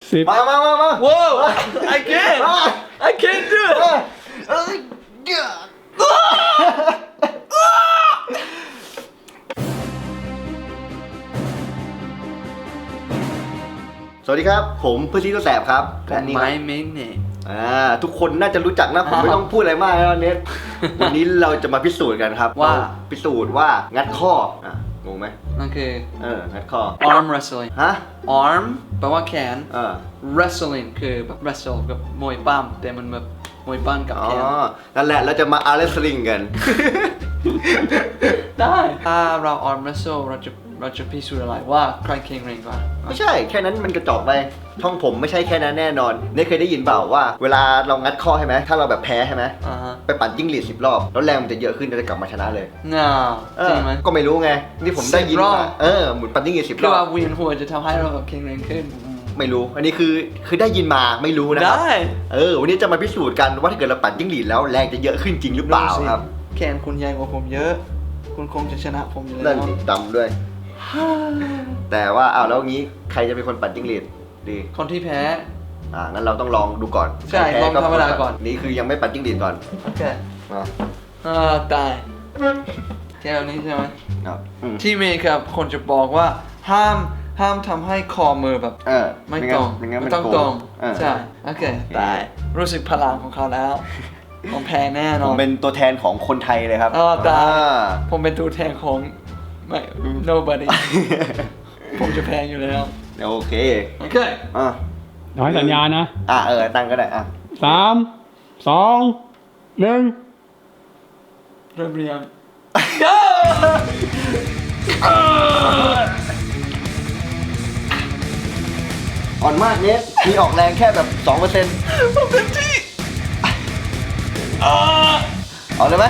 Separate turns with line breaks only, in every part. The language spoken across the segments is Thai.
10
มา
Whoa I can't do it
สวัสดีครับผมพื้นที่ตัวแสบครับและนี่ครับ
My main name
ทุกคนน่าจะรู้จักนะผมไม่ต้องพูดอะไรมากแล้วเน็ต วันนี้เราจะมาพิสูจน์กันครับ
ว่า
พิสูจน์ว่างัดข้องงไหม
นั่นคือ
งัดข้อ
arm wrestling
ฮะ
arm แปลว่าแขน
เออ
wrestling คือแบบ wrestle กับมวยปั้มแต่มันแบบมวยปั้มกับ
อ๋อ
แขน
นั่นแหละเราจะมาอาร์เรสลิงกัน
ได้ถ้าเรา arm wrestle เราจะพิสูจน์อะไรว่าใครแข็งแรงกว่า
ไม่ใช่แค่นั้นมันกระจอกไปช่องผมไม่ใช่แค่นั้นแน่นอนเนี่ยเคยได้ยินเปล่าว่าเวลาเรางัดข้อใช่ไหมถ้าเราแบบแพ้ใช่ไหม
อ่าฮะ
ไปปั่นจิ้งหรีด10 รอบแล้วแรงมันจะเยอะขึ้นจะกลับมาชนะเลย
น่าจริงไหม
ก็ไม่รู้ไงนี่ผมได้ยิน
10 รอบ
มาหมุนปั่นจิ้งหรีด10
คื
ร
อ
อ
ว่า
บ
เวียนหัวจะทำให้เราแบบแข็งแรงขึ้น
ไม่รู้อันนี้คือได้ยินมาไม่รู้นะครั
ได้
วันนี้จะมาพิสูจน์กันว่าถ้าเกิดเราปั่นจิ้งหรีดแล้วแรงจะเยอะขึ้นจริงหรือเปล่าครับ
แขนคุณใหญ่กว่าผมเยอะ คุณคงจะชนะผมอยู่แล้
นั่น
ว
สิดำด้วย แต่ว่าแล้วงี้ใครจะเป็นคนปั่นจิ้งหรีดดี
คนที่แพ้
งั้นเราต้องลองดูก่อน
ใช่
ใครแพ้
ลองธรรมดาก่อน
นี่คือยังไม่ปั่นจิ้งหรีดก่อน
โอเค
มา
ตายแค่นี้ใช่ไหม
ครับ
ที่เมย์ครับคนจะบอกว่าห้ามทำให้คอมือแบบไม่ตรง
ไม่งั้น
ไม่
มัน
ต้อง
โก
ตรง
ง
ใช่โอเคตายรู้สึกพลังของเขาแล้วผมแพ้แน่น
ผ
อ
ม
น
เป็นตัวแทนของคนไทยเลยครับ
ตายผมเป็นตัวแทนของไม่ nobody ผมจะแพ้อยู่แล้ว
โอเค
โอเค
น้อยสัญญานะ
ตั้งก็ได้
3 2 1
เริ่มเรียง
อ่อนมากเนสมีออกแรงแค่แบบ 2%
ผมเต็มที่
เอาเลยไหม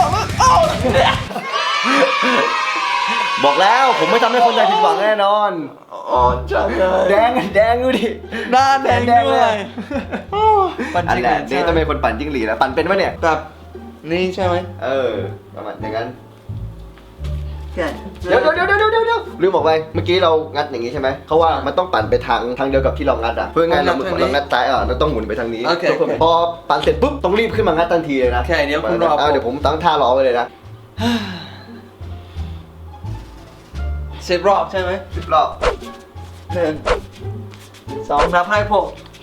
บอกแล้วผมไม่ทำให้คนไทยผิดหวังแน่นอน
จังเลย
แดงดูดิ
หน้าแดงด้วย
อันแหละเนสต้องเป็นคนปั่นจิ้งหรีดแล้วปั่นเป็นปะเนี่ย
แบบนี่ใช่ไหม
ประมาณอย่างนั้น
ใช่
เดี๋ยวลืมบอกไปเมื่อกี้เรางัดอย่างนี้ใช่ไหมเขาว่ามันต้องปั่นไปทางเดียวกับที่เรางัดเพื่อไงเรางัดซ้ายเราต้องหมุนไปทางนี้
โอเค
พอปั่นเสร็จปุ๊บต้องรีบขึ้นมางัดทันทีเลยนะ
โอเคเดี๋ยวคุณรอ
เดี๋ยวผมตั้งท่ารอไว้เลยนะ
10 รอบใช่ไหม
10 รอบ
1 2นับให้ผม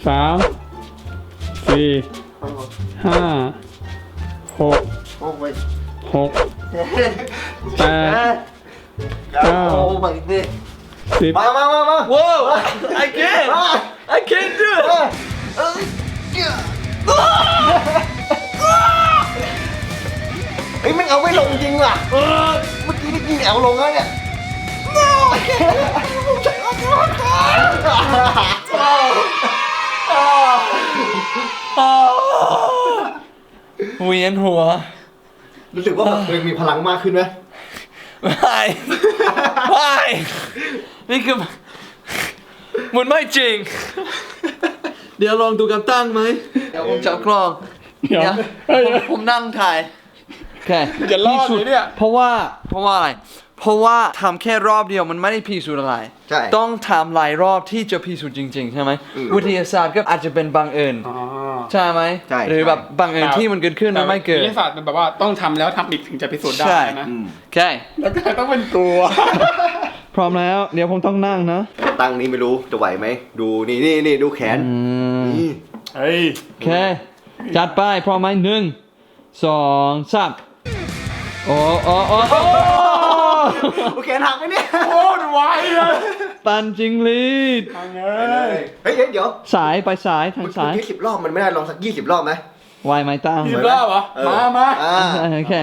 3 4 5 6
โอ้ย
6 8
โอ้my god
10
มา
Whoa I can't do it
เฮ้ยมันเอาไม่ลงจริงว่ะเมื่อกี้นี่กินเอาลงแล้วเนี่ย
เวียนหัว
รู้สึกว่าแบบตัวเองมีพลังมากขึ้นไหม
ไม่นี่คือมันไม่จริง เดี๋ยวลองดูกันตั้งไหมเดี๋ยวผมจับกล้อง
เดี๋ยว
ผมนั่งถ่ายโอเค
จะรอดไหมเนี่ย
เพราะว่าอะไรเพราะว่าทำแค่รอบเดียวมันไม่ได้พิสูจน์อะไร
ใช่
ต้องทำหลายรอบที่จะพิสูจน์จริงๆใช่ไหมวิทยาศาสตร์ก็อาจจะเป็นบังเอิญใช่ไหม
ใช่
หรือแบบบังเอิญที่มันเกิดขึ้นมันไม่เกิด
วิทยาศาสตร์มันแบบว่าต้องทำแล้วทำอีกถึงจะพิสูจน์ได้
ใช่
นะ
โอเค
แล้วก็ต้องเป็นตัว
พร้อมแล้วเดี๋ยวผมต้องนั่งนะ
ตั้งนี้ไม่รู้จะไหวไหมดูนี่ดูแขนนี่
เฮ้ย
โอเคจัดไปพร้อมไหม1 2 3โอ้
แขนหักไหมเนี่ย
โคตรไวเลย
ปันจิงลีด
ทางเง
เฮ้ยเดี๋ยว
สายไปสายทางสาย
เมื่อกี้10 รอบมันไม่ได้ลองสัก20 รอบไหม
ไวไหมตั้ง
อีกรอบเหรอ มา
โอเค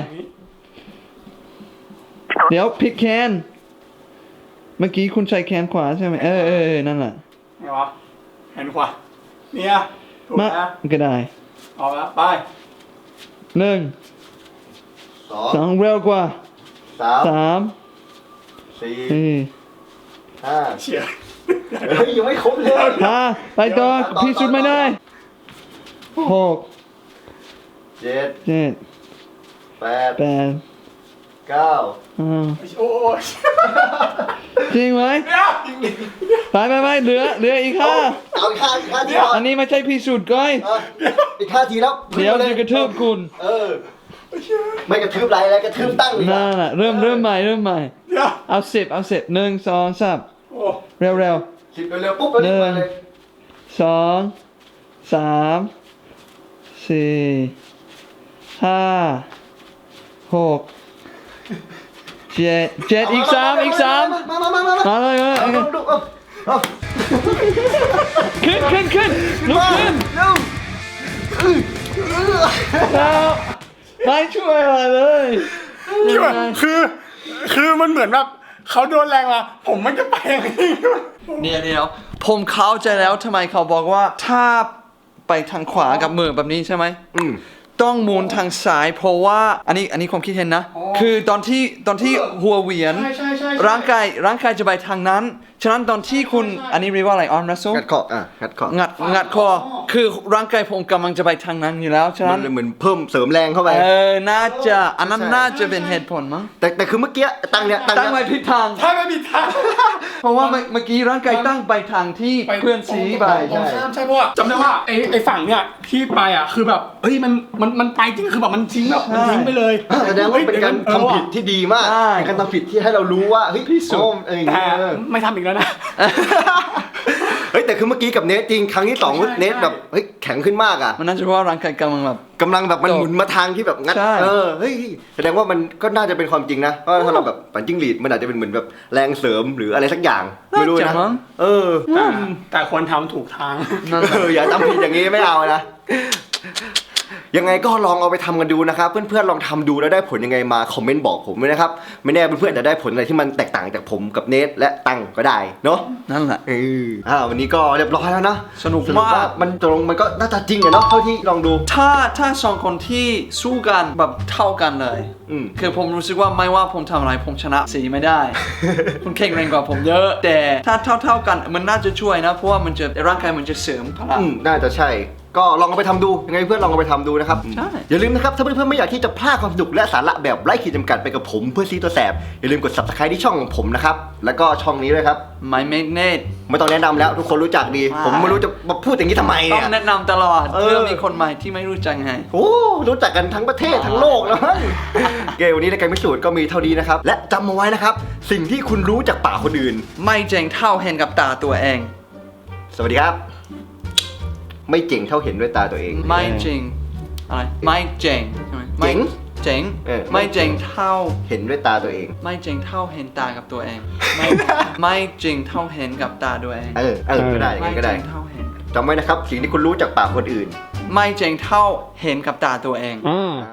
เดี๋ยวพลิกแคนเมื่อกี้คุณใช้แคนขวาใช่ไหมนั่นแหละ
ไงวะแขนขวาเนี่ยถูก
มา
นะ
ก็ได้
ออกแล้วไป
1 2เร็วกว่า
3
3
4 5
เฉียด
เฮ้ยยังไม่ครบเลย
5ไปต่อพิสูจน์ไม่ได้6
7
7
8
8
9
อืม
โอ้ย
จริงไหม
เดี๋ยว
ไปเหลืออีกห้า
เอาอีก5 ทีก่อน
อันนี้ไม่ใช่พิสูจน์ก้อย
อีก5 ทีแล้ว
เดี๋ยวจะกระทืบคุณ
ไม่กระทืบไรแล้วกระทืบตั้งเลย
นั่นแหละเริ่มใหม่
เดี๋ยว
เอา10 1 2 3
โอ้
เร็ว
10เร็วๆปุ๊บแล้วนี่มาเลย
2 3 4 5 6 7 อีก 3
มา
มาเลย
เอาดูเอา
ขึ้นลุกขึ้น
เร็ว
แล้วไม่ช่วยอะไรเลย
นี่ว่าคือมันเหมือนแบบเขาโดนแรงมาผมมันจะไปอย่างนี้
เดี๋ยวผมเข้าใจแล้วทำไมเขาบอกว่าถ้าไปทางขวากับมือแบบนี้ใช่ไหม ต้องหมุนทางซ้ายเพราะว่าอันนี้ความคิดเห็นนะ คือตอนที่หัวเหวียน
ใช่
ร่างกายจะไปทางนั้น ฉะนั้นตอนที่คุณอันนี้เรียกว่าอะไรออนรัสโซ
งัดคองัดคอ
งัดคอคือร่างกายผมกำลังจะไปทางนั้นอยู่แล้วฉะ
มั
นั้น น
เหมือนเพิ่มเสริมแรงเข้าไป
น่าจะอันนั้นน่าจะเป็นเหตุผลมั้ง
แต่คือเมื่อกี้ตั้งเนี้ย
ตั้งไว้ผิดทาง
ถ้าไม่มีทาง
เพราะว่าเมื่อกี้ร่างกายตั้งไปทางที่เพื่อนสีไป
ตรงข้ามใช่เพราะว่าจำได้ว่าไอ้ฝั่งเนี่ยที่ไปอ่ะคือแบบเฮ้ยมันไปจริงคือแบบมันทิ้งแบบมันทิ้งไปเลย
แสดงว่าเป็นการทำผิดที่ดีมาก
ใช่
เป็นการทำผิดที่ให้เรารู้ว่าเฮ้ยพี่สุอย่าง
แต่
เงี้ย
ไม่ทำอีกแล้วนะ
เฮ้ยแต่คือเมื่อกี้กับเนทจริงครั้งที่สอง
ใช่
เนทแบบเฮ้ยแข็งขึ้นมากอ่ะ
มันน่าจะเพราะว่าร่างกายกำลังแบบ
กำลังแบบมันหมุนมาทางที่แบบงัด
ใช่
เฮ้ยแสดงว่ามันก็น่าจะเป็นความจริงนะเพราะถ้าเราแบบปั่นจิ้งหรีดมันอาจจะเป็นเหมือนแบบแรงเสริมหรืออะไรสักอย่างไม่รู้
น่าจะ
นะ
มั้ง
แต่ควรทำถูกทาง
นั่นแหละ
อย่าทำผิดอย่างนี้ไม่เอานะยังไงก็ลองเอาไปทำกันดูนะครับเพื่อนๆลองทำดูแล้วได้ผลยังไงมาคอมเมนต์บอกผมด้วยนะครับไม่แน่เพื่อนๆจะได้ผลอะไรที่มันแตกต่างจากผมกับเนทและตังก็ได้เนาะ
นั่นแหละ
วันนี้ก็เรียบร้อยแล้วนะ
สนุกมาก
มันตรงมันก็น่าจะจริงอะเนาะเท่าที่ลองดู
ถ้าสองคนที่สู้กันแบบเท่ากันเลย คือผมรู้สึกว่าไม่ว่าผมทำอะไรผมชนะสีไม่ได้ คุณแข็งแรงกว่าผมเยอะ แต่ถ้าเท่ากันมันน่าจะช่วยนะเพราะว่ามันจะร่างกายมันจะเสริมพลัง
น่าจะใช่ ก็ลองเอาไปทำดูยังไงเพื่อนลองเอาไปทำดูนะครับ
ใช่
อย่าลืมนะครับถ้าเพื่อนๆไม่อยากที่จะพลาดความสนุกและสาระแบบไร้ขีดจำกัดไปกับผมเพื่อนซีตัวแสบอย่าลืมกด subscribe ที่ช่องของผมนะครับแล้วก็ช่องนี้ด้วยครับ
My Magnet
ไม่ต้องแนะนำแล้วทุกคนรู้จักดี ผมไม่รู้จะมาพูดอย่างนี้ทำไม
ต้อ
เนี่
ง
ย
แนะนำตลอด
เออ
เพื่อมีคนใหม่ที่ไม่รู้จักไง
โอ้รู้จักกันทั้งประเทศทั้งโลกแล้วมั้งเกมวันนี้ในการพิสูจน์ก็มีเท่านี้นะครับและจำมาไว้นะครับสิ่งที่คุณรู้จากปากคนอื่น
ไม่เจ๋งเท่าเห็นกับตาตัวเอง
สวัสดีครับ ไม่เจ๋งเท่าเห็นด้วยตาตัวเอง
ไม่จริงอะไรไม่เจ๋งใช่ไหมไม่
เจ๋ง
เจ๋ง ไม่เจ๋งเท่า
เห็นด้วยตาตัวเอง
ไม่เจ๋งเท่าเห็นตากับตัวเอง ไม่จริงเท่าเห็นกับตาตัวเอง
ก็ได้อย่าง
ไม่
นั้นก็
เจ๋
ได้
งเท่าเห็น
จำไว้นะครับสิ่งที่คุณรู้จากปากคนอื่น
ไม่เจ๋งเท่าเห็นกับตาตัวเอง